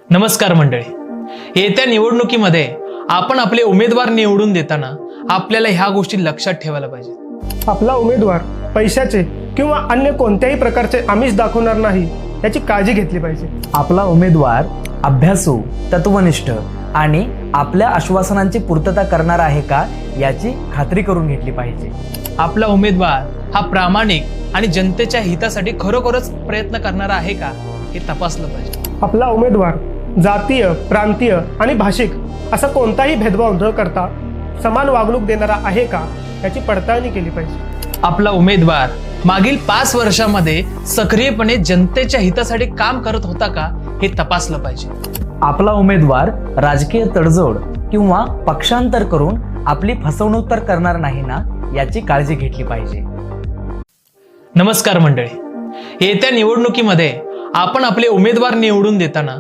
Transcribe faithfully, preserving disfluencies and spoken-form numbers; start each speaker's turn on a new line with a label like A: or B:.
A: नमस्कार मंडळी, येत्या निवडणुकीमध्ये आपण आपले उमेदवार निवडून देताना आपल्याला ह्या गोष्टी लक्षात ठेवायला पाहिजे.
B: आपला उमेदवार पैशाचे किंवा अन्य कोणत्याही प्रकारचे आमिष दाखवणार नाही याची काळजी घेतली पाहिजे.
C: आपला उमेदवार अभ्यासू, तत्वनिष्ठ आणि आपल्या आश्वासनांची पूर्तता करणार आहे का याची खात्री करून घेतली पाहिजे.
A: आपला उमेदवार हा प्रामाणिक आणि जनतेच्या हितासाठी खरोखरच प्रयत्न करणारा आहे का हे तपासलं पाहिजे.
B: आपला उमेदवार जातीय, प्रांतीय आणि भाषिक असा कोणताही भेदभाव न करता समान वागणूक देणारा आहे का याची पडताळणी केली पाहिजे.
A: आपला उमेदवार मागील पाच वर्षामध्ये सक्रियपणे जनतेच्या हितासाठी काम करत होता का हे तपासलं पाहिजे.
C: आपला उमेदवार राजकीय तडजोड किंवा पक्षांतर करून आपली फसवणूक तर करणार नाही ना याची काळजी घेतली पाहिजे.
A: नमस्कार मंडळी, येत्या निवडणुकीमध्ये आपण आपले उमेदवार निवडून देताना